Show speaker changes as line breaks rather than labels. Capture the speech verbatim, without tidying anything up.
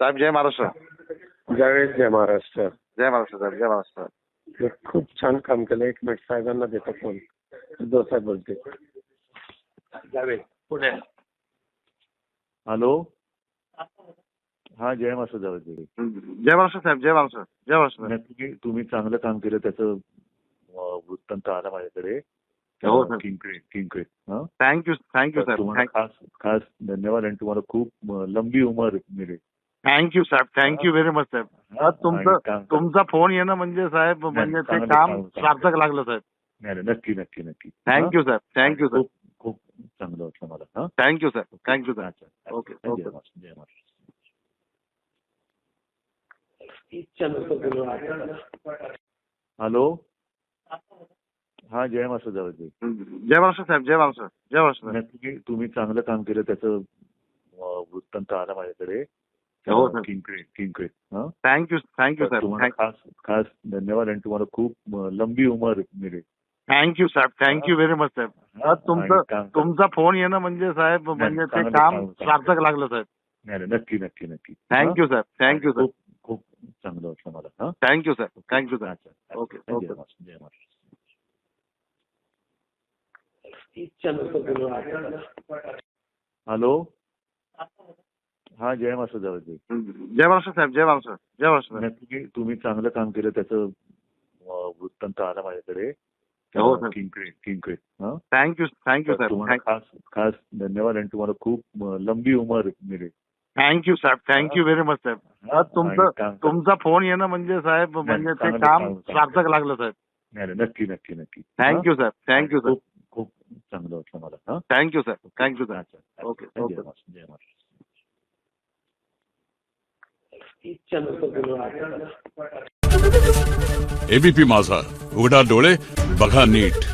साहेब जय महाराष्ट्र.
जावेद जय महाराष्ट्र.
जय महाराष्ट्र साहेब. जय महाराष्ट्र.
हे खूप छान काम केलं. एक मिनिट साहेबांना देतो फोन. उद्धव साहेब बोलते. जावेद पुढे.
हॅलो. हा जय महाराष्ट्र जावेद.
जय महाराष्ट्र साहेब. जय महाराष्ट्र. जय महाराष्ट्र.
नाही, तुम्ही तुम्ही चांगलं काम केलं त्याचं अं, वृत्तांत आला माझ्याकडे.
हो सर.
किंक्रे किंक्रे हा
थँक्यू थँक्यू
तर
साहेब.
तुम्हाला खास खास धन्यवाद आणि तुम्हाला खूप अं, लंबी उमर मिळेल.
थँक्यू साहेब. थँक्यू व्हेरी मच साहेब.
हा,
तुमचं
आणि काम-
तुमचा फोन येणं म्हणजे साहेब म्हणजे ते
चांगलं
काम
काम- काम.
सार्थक लागलं साहेब.
नाही नाही, नक्की नक्की नक्की.
थँक्यू साहेब. थँक्यू
खूप
साहेब.
खूप चांगलं वाटलं मला. हा
थँक्यू साहेब. थँक्यू साहेब.
अच्छा, अच्छा.
ओके
जय
ओके.
महाराष्ट्र. जय महाराष्ट्र. हॅलो. हा जय महाराष्ट्र जावेद.
जय महाराष्ट्र साहेब. जय महाराष्ट्र. जय महाराष्ट्र.
नाही, तुम्ही तुम्ही चांगलं काम केलं त्याचं अं, वृत्तांत आला माझ्याकडे.
हो सर.
किंक्रे किंक्रे हा
थँक्यू थँक्यू
तर
साहेब.
तुम्हाला खास खास धन्यवाद आणि तुम्हाला खूप अं, लंबी उमर मिळेल.
थँक्यू साहेब. थँक्यू व्हेरी मच साहेब.
आणि
तुमचं
काम-
तुमचा फोन येणं म्हणजे साहेब म्हणजे ते
चांगलं
काम
काम- काम.
सार्थक लागलं साहेब.
नाही नाही, नक्की नक्की नक्की.
थँक्यू साहेब. थँक्यू
हा?
साहेब.
खूप खूप चांगलं वाटलं मला. हा
थँक्यू साहेब. थँक्यू साहेब.
अच्छा, अच्छा.
ओके
जय
ओके.
महाराष्ट्र. जय महाराष्ट्र. हॅलो. हा जय महाराष्ट्र जावेद.
जय महाराष्ट्र साहेब. जय महाराष्ट्र. जय महाराष्ट्र.
नाही, तुम्ही तुम्ही चांगलं काम केलं त्याचं अं, वृत्तांत आला माझ्याकडे.
हो सर.
किंक्रे किंक्रे हा
थँक्यू थँक्यू
तर
साहेब.
तुम्हाला खास खास धन्यवाद आणि तुम्हाला खूप अं, लंबी उमर मिळेल.
थँक्यू साहेब. थँक्यू व्हेरी मच साहेब.
आणि
तुमचं
काम-
तुमचा फोन येणं म्हणजे साहेब म्हणजे ते
चांगलं
काम
काम- काम.
सार्थक लागलं साहेब.
नाही नाही, नक्की नक्की नक्की.
थँक्यू साहेब. थँक्यू
खूप खूप चांगलं वाटलं मला. हा
साहेब. थँक्यू साहेब. थँक्यू साहेब.
अच्छा, अच्छा.
ओके
जय
ओके.
महाराष्ट्र. जय महाराष्ट्र.
एबीपी माझा, उघडा डोळे बघा नीट.